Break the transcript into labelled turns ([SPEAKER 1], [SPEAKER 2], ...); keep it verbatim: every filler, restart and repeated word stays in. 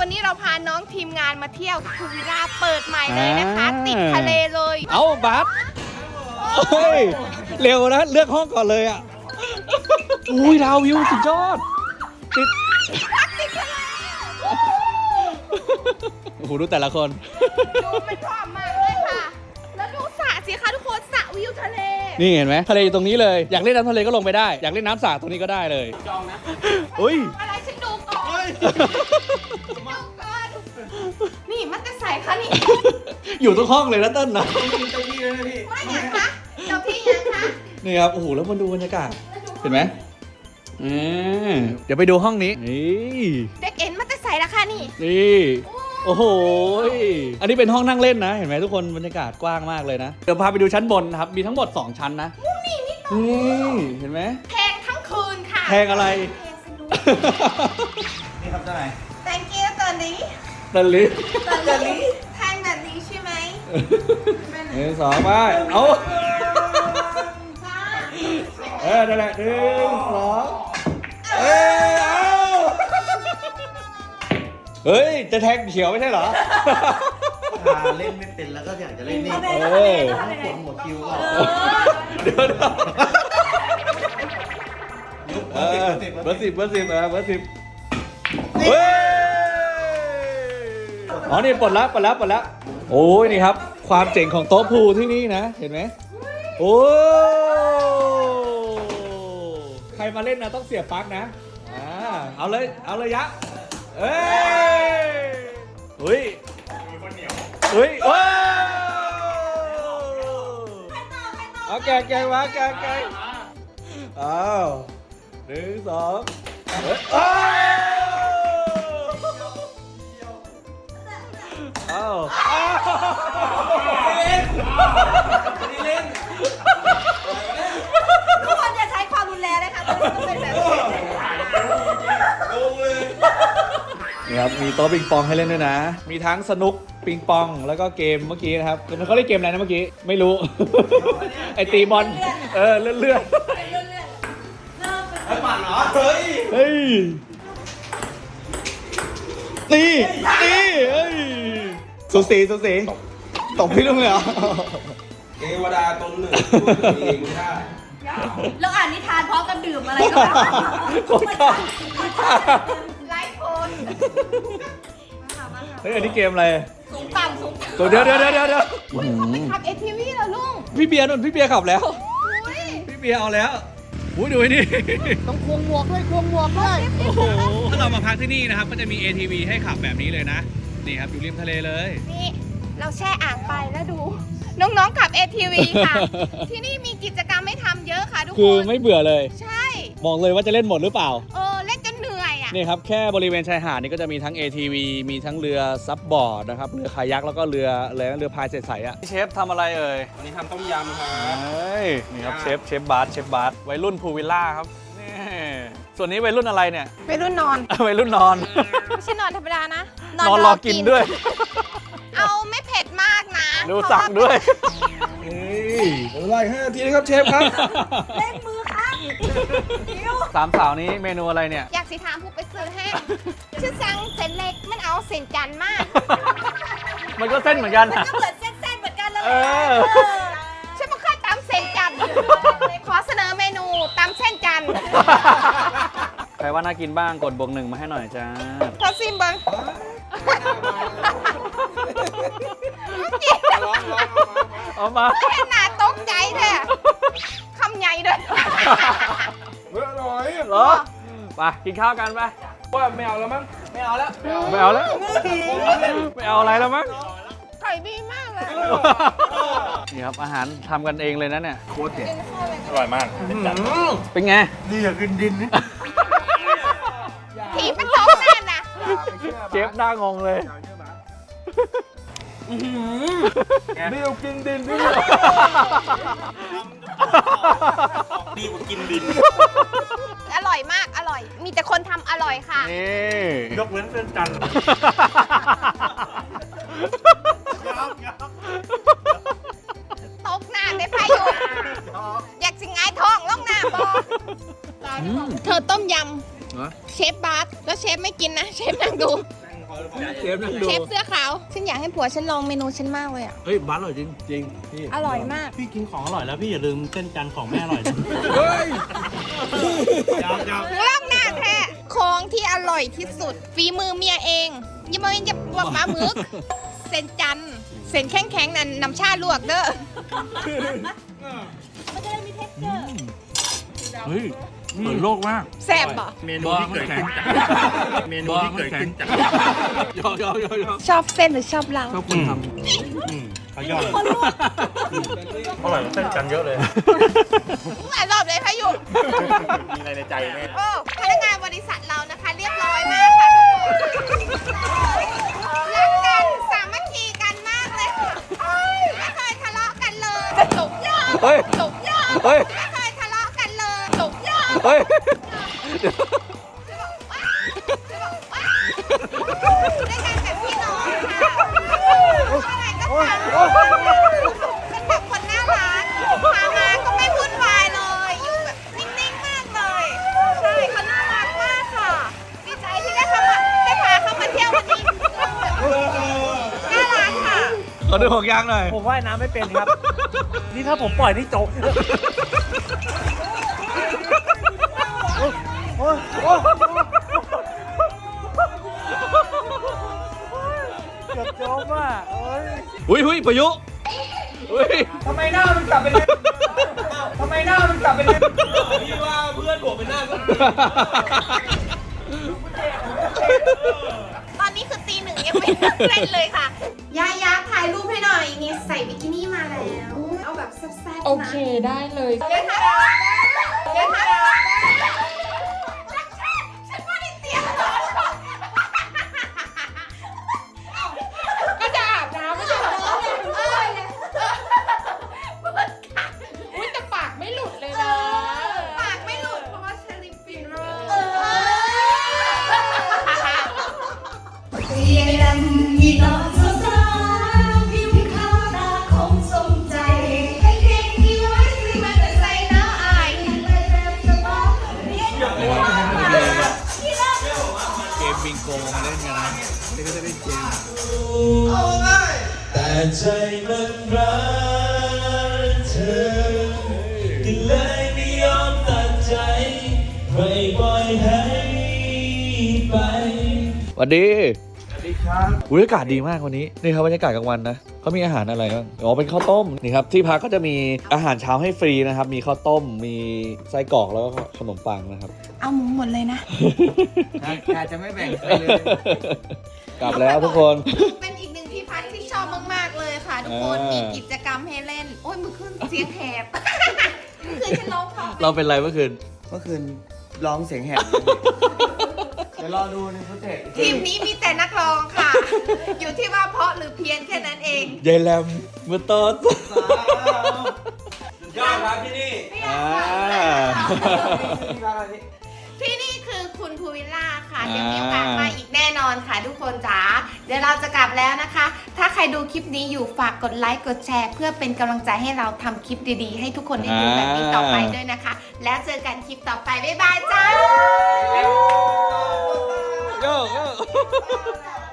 [SPEAKER 1] วันนี้เราพาน้องทีมงานมาเที่ยวพูวิลล่าเปิดใหม่เลยนะคะ ติดทะเลเลย
[SPEAKER 2] เอาบัสเฮ้ยเร็วนะเลือกห้องก่อนเลยอ่ะอุ้ยดาววิวสุดยอดติด
[SPEAKER 1] ติดทะเล
[SPEAKER 2] โอ้โหดูแต่ละคน
[SPEAKER 1] ดูมันพร้อมมากเลยค่ะ แล้วดูสระสิคะทุกคนสระวิวทะเล
[SPEAKER 2] นี่เห็นไหมทะเลอยู่ตรงนี้เลยอยากเล่นน้ำทะเลก็ลงไปได้อยากเล่นน้ำสระตรงนี้ก็ได้เลยจองนะอุ้ย
[SPEAKER 1] อะไรฉันดูก่อนดูก่อนนี่มันจะใส่คะนี่
[SPEAKER 2] อยู่ทุกห้องเลยนะเต้นนะ
[SPEAKER 3] เจ้าที่เลยนะพี่
[SPEAKER 1] ว่าอย่างคะเจ้าพี่ยังคะ
[SPEAKER 2] นี่ครับโอ้โหแล้วมาดูบรรยากาศเห็นไหมอืมเดี๋ยวไปดูห้องนี้นี่
[SPEAKER 1] เด็กเอ็นมันจะใส่ละค่ะนี่
[SPEAKER 2] นี่โอ้โหอันนี้เป็นห้องนั่งเล่นนะเห็นไหมทุกคนบรรยากาศกว้างมากเลยนะเดี๋ยวพาไปดูชั้นบนนะครับมีทั้งหมดสองชั้นนะนี่เห็นไหม
[SPEAKER 1] แพงทั้งคืนค่ะ
[SPEAKER 2] แพงอะไร
[SPEAKER 1] แพงสนุก
[SPEAKER 3] นี่ครับเจ้านาย
[SPEAKER 1] thank you ตอนนี้
[SPEAKER 2] ตะลิ
[SPEAKER 1] ตอนนี้แพงแบบนี้ใช่ไหม
[SPEAKER 2] หนึ่งสองไปเอาเออนั่นแหละหนึ่งสองเอ้ยเอาเฮ้ยจะแทงเขียวไม่ใช่เหรอ
[SPEAKER 3] ถ้าเล่นไม่เป็นแล้วก็อยากจะเล่นนี่
[SPEAKER 2] เออ
[SPEAKER 3] ปวดหัวคิวก็
[SPEAKER 2] เดี๋ยวนะเออเบอร์สิบเบอร์สิบอ่ะเบอร์สิบเฮ้ยอ๋อนี่ปลดละปลดละปลดละโอ้ยนี่ครับความเจ๋งของโต๊ะพูลที่นี่นะเห็นไหมโอ้ใครมาเล่นนะต้องเสียบปลั๊กนะอ่าเอาเลยเอาเลยยะเอ้ยเฮ้ยเฮ้ยว้าวเอาแกงแกงมาแกงแกงอ้าวหนึ่งสองเฮ้ยอ้าวอ้าวเล่นเล่น
[SPEAKER 1] ทุกคนอย่าใช้ความรุนแรงนะคะมันต้องเป็นแบบนี้
[SPEAKER 2] นี่ครับมีโต๊ะปิงปองให้เล่นด้วยนะมีทั้งสนุกปิงปองแล้วก็เกมเมื่อกี้นะครับเขาเล่นเกมอะไรนะเมื่อกี้ไม่รู้ ไอตีบอลเออเลื่อนเลื่อน
[SPEAKER 3] ไอ้ปั่นเหรอ เฮ้ย
[SPEAKER 2] เฮ้ยตีตีเฮ้ยสุสีสุสีตบพี่ลุงเลยเหรอ
[SPEAKER 3] เทวดาตนหนึ่งเองไม่ได้
[SPEAKER 4] แล้วอ่านนิทานพร้อมกันดื่มอะไรก็
[SPEAKER 2] โคตรชอบ
[SPEAKER 1] ไลฟ์โคน
[SPEAKER 2] เฮ้ยอันนี้เกมอะไร
[SPEAKER 4] สูงต่ำสูงต่ำ
[SPEAKER 2] ตัวเดียวเดียวเดียวเดียว
[SPEAKER 1] ขับเอทีวีเหรอลุง
[SPEAKER 2] พี่เบียร์นุ่นพี่เบียร์ขับแล้ว
[SPEAKER 1] อุ้ย
[SPEAKER 2] พี่เบียร์เอาแล้วอุ้ยดูไอ้นี่
[SPEAKER 1] ต้องควงหมวกด้วยควงหมวกด้วย
[SPEAKER 2] โอ้โหถ้าเรามาพักที่นี่นะครับก็จะมี เอ ที วี ให้ขับแบบนี้เลยนะนี่ครับอยู่ริมทะเลเลย
[SPEAKER 1] นี่เราแช่อ่างไปแล้วดู น้องๆขับ เอ ที วี ค่ะ ที่นี่มีกิจกรรมให้ทำเยอะค่ะทุกคน
[SPEAKER 2] คือไม่เบื่อเลย
[SPEAKER 1] ใช่
[SPEAKER 2] บอกเลยว่าจะเล่นหมดหรือเปล่า
[SPEAKER 1] เออเล่นจนเหนื่อยอ่ะ
[SPEAKER 2] นี่ครับแค่บริเวณชายหาดนี่ก็จะมีทั้ง เอ ที วี มีทั้งเรือซับบอร์ดนะครับเรือคายักแล้วก็เรืออะไรนะเรือพายใสๆอ่ะเชฟทำอะไรเอ่ย
[SPEAKER 3] วันนี้ทำต้มยำครับ
[SPEAKER 2] เฮ้ยนี่ครับเชฟเชฟบาร์เชฟบาร์วัยรุ่นพูลวิลล่าครับนี่ส่วนนี้วัยรุ่นอะไรเนี่ย
[SPEAKER 1] ไปรุ่นนอน
[SPEAKER 2] วัยรุ่นนอน
[SPEAKER 1] ไม่ใช่นอนธรรมดานะ
[SPEAKER 2] นอนรอกินด้วย
[SPEAKER 1] เอาไม่เผ็ดมากนะ
[SPEAKER 2] ดูสั่งด้วย
[SPEAKER 3] นี่เวลาห้านาทีนะครับเชฟครับ
[SPEAKER 4] เล่นมือครับคิว
[SPEAKER 2] สามสาวนี้เมนูอะไรเนี่ย
[SPEAKER 1] อยากสิถามผู้ไปซื้อแห้งชื่อสั่งเส้นเล็กมันเอาเส้นจันทร์มาก
[SPEAKER 2] มันก็เส้นเหมือนกัน
[SPEAKER 4] มัน
[SPEAKER 2] นะ
[SPEAKER 4] ก็เหมือนเส้นๆเหมือนกันแล้วแห
[SPEAKER 2] เอ
[SPEAKER 4] ละ
[SPEAKER 2] อ
[SPEAKER 4] เออ
[SPEAKER 1] ฉันไม่เคยตำเส้นจันทร์ขอเสนอเมนูตำเส้นจันทร์
[SPEAKER 2] ใครว่าน่ากินบ้างกดบวกหนึ่งมาให้หน่อยจ้า
[SPEAKER 1] ขอซิมเบิ้ง
[SPEAKER 2] เอามา
[SPEAKER 1] เห็นหน้าตกใจแท้คำใหญ่ด้วย
[SPEAKER 3] เฮ้ยอร่อย
[SPEAKER 2] เหรอไปกินข้าวกันไป
[SPEAKER 3] ว่าไม่เอาแล้วมั้ง ไม่เอาแล้ว
[SPEAKER 2] ไม่เอาแล้ว ไม่เอาอะไรแล้วมั้ง
[SPEAKER 1] ไข่ดีมากเลย
[SPEAKER 2] นี่ครับอาหารทำกันเองเลยนะเนี่ย
[SPEAKER 3] โคตรเด็ดอร่อยมาก
[SPEAKER 2] เป็นไง
[SPEAKER 3] ดีอย่ากินดินนี่
[SPEAKER 1] ถีบมันตกแน่นะ
[SPEAKER 2] เชฟหน้างงเลย
[SPEAKER 3] เดียวกินดินนี่ ดีกว่ากินดิน
[SPEAKER 1] อร่อยมากอร่อย มีแต่คนทำอร่อยค่ะ
[SPEAKER 2] นี่
[SPEAKER 3] ยกเว้นเส้นจันทร์
[SPEAKER 1] ตกหน้าได้พายุอยากสิงไงท้องล่องหน้าบอเธอต้มยำเชฟบาสแล้วเชฟไม่กินนะ เชฟนั่งดู
[SPEAKER 3] ขอข
[SPEAKER 2] เชฟนั่งดู
[SPEAKER 1] เชฟเสื้อขาว ฉันอยากให้ผัวฉันลองเมนูฉันมากเลยอ่ะ
[SPEAKER 2] เฮ้ยบ้านอร่อยจริงจริงพี่
[SPEAKER 1] อร่อยมาก
[SPEAKER 5] พี่กินของอร่อยแล้วพี่อย่าลืมเส้นจันทร์ของแม่อร่อยนะ
[SPEAKER 2] เฮ้ย
[SPEAKER 5] ยาวยาว
[SPEAKER 1] เล่าหน้าแท้ของที่อร่อยที่สุด ฝีมือเมียเองอยังไม่จะบวกปลาหมึก เส้นจันทร์เส้นแข็งๆนั่นน้ำชาลวกเด้อ
[SPEAKER 4] มันจะได้มีเทคเจอร์
[SPEAKER 5] เฮ้ยเปิดโลกมาก
[SPEAKER 1] แซ่บบ่
[SPEAKER 5] เมนูที่เกิดขึ้นจากเมนูที่เกิดขึ้นจาก
[SPEAKER 2] ยอยอยอยอ
[SPEAKER 1] ชอบเส้นหรือชอบเรา
[SPEAKER 2] ชอบคนท
[SPEAKER 5] อืมเขายอดอร่อยกว่าเส้นจันทร์เยอะเลย
[SPEAKER 1] หลายรอบเลยพายุ
[SPEAKER 5] มีอะไรในใจไหม
[SPEAKER 1] โอ้พนักงานบริษัทเรานะคะ เรียบร้อยมากค่ะทุกคนรักกันสามัคคีกันมากเลยค่ะไม่เคยทะเลาะกันเลยจบยอด
[SPEAKER 2] ำเฮ้ย
[SPEAKER 1] จบยอด
[SPEAKER 2] เฮ้ย
[SPEAKER 1] ไม่เคยทะเลาะกันเลยจบยอด
[SPEAKER 2] เฮ้ย
[SPEAKER 1] ได้กันแบบพี่น้องค่ะอะไรก็ทำเป็นแบบคนน่ารักพามาก็ไม่วุ่นวายเลย อยู่แบบนิ่งๆมากเลย ใช่เขาน่ารักมากค่ะ ดีใจที่ได้เข้ามาได้พาเขามาเที่ยววันนี้ น่ารักค่ะ
[SPEAKER 2] ขอดูหกยางหน่อย
[SPEAKER 5] ผมว่ายน้ำไม่เป็นครับ นี่ถ้าผมปล่อยนี่จบโอ้ยโอ้ยเกือบจมอ่ะเอ้ย
[SPEAKER 2] อุ้ยอุ้ยประยุอุ้ย
[SPEAKER 5] ทำไมหน้ามันกลับเป็นเล่นทำไมหน้ามันกลับเป็นเล่น
[SPEAKER 3] พี่ว่าเพื่อนผมเป็นหน้าก็
[SPEAKER 1] ตอนนี้คือตีหนึ่งยังไม่เล่นเลยค่ะ ยายาถ่ายรูปให้หน่อย นี่ใส่บิกินี่มาแล้ว เอาแบบแซ่บๆนะ
[SPEAKER 6] โอเคได้เลย
[SPEAKER 1] เดี๋ยวถ่ายเดี๋ยวถ่ายฉันไม่ได้เตรียมเลย
[SPEAKER 6] ก็จะอาบน้ำไม่ใช่เหรอ
[SPEAKER 1] เอ้ยเปิดค่ะ
[SPEAKER 6] อุ้ยแต่ปากไม่หลุดเลยนะ
[SPEAKER 1] ปากไม่หลุดเพราะว่าเชลิฟินโร
[SPEAKER 4] เย็นมีน้องสาวผิวขาวตาคงสมใจให้เก่งที่ไว้ที่มันจะใส่น้ำอายไปแบบสบายเรียนอยู่ที่รัก
[SPEAKER 2] เกมบิงโกมาเล่นกันนะนี่ก็จะเล่นเกม
[SPEAKER 7] แต่ใจมันรักเธอก็เลยไม่ยอมตัดใจไม่ปล่อยให้ไป
[SPEAKER 2] สวัสดีสวัสดีครับอุ้ยอากาศดีมากวันนี้นี่ครับบรรยากาศกลางวันนะเขามีอาหารอะไรบ้างอ๋อเป็นข้าวต้มนี่ครับที่พักก็จะมีอาหารเช้าให้ฟรีนะครับมีข้าวต้มมีไส้กรอกแล้วก็ขนมปังนะครับ
[SPEAKER 1] เอาหมูหมดเลยนะ
[SPEAKER 5] อาจจะไม่แบ่งใครเลย
[SPEAKER 2] กลับแล้วทุกคน
[SPEAKER 1] เป็นอีกหนึ่งที่พักที่ชอบมากๆเลยค่ะ ทุกคน
[SPEAKER 2] อ่ามี
[SPEAKER 1] มีกิจกรรมให้เล่น โอ้ยมือขึ้นเสียงแหบ คือฉันร้องเพราะ
[SPEAKER 2] เราเป็นไรเมื่อคืน
[SPEAKER 8] เมื่อคืนร้องเสียงแหบ เดี๋ยวรอดูในฟุตเทจ
[SPEAKER 1] ทีมนี้มีแต่นักร้องค่ะ อยู่ที่ว่าเพราะหรือเพี้ยนแค่นั้นเอง
[SPEAKER 2] ยายแรมเมื่อตอน
[SPEAKER 3] ยอดครับที่นี่
[SPEAKER 2] อ่า
[SPEAKER 1] ที่นี่คือคุณภูวิลล่าค่ะเดี๋ยวมีโอกาสมาอีกแน่นอนค่ะทุกคนจ๋าเดี๋ยวเราจะกลับแล้วนะคะ ถ้าใครดูคลิปนี้อยู่ฝากกดไลค์กดแชร์ เพื่อเป็นกำลังใจให้เราทำคลิปดีๆ ให้ทุกคนได้ดูแบบนี้ต่อไปด้วยนะคะ แล้วเจอกันคลิปต่อไปบ๊ายบายจ้า
[SPEAKER 2] โยโย่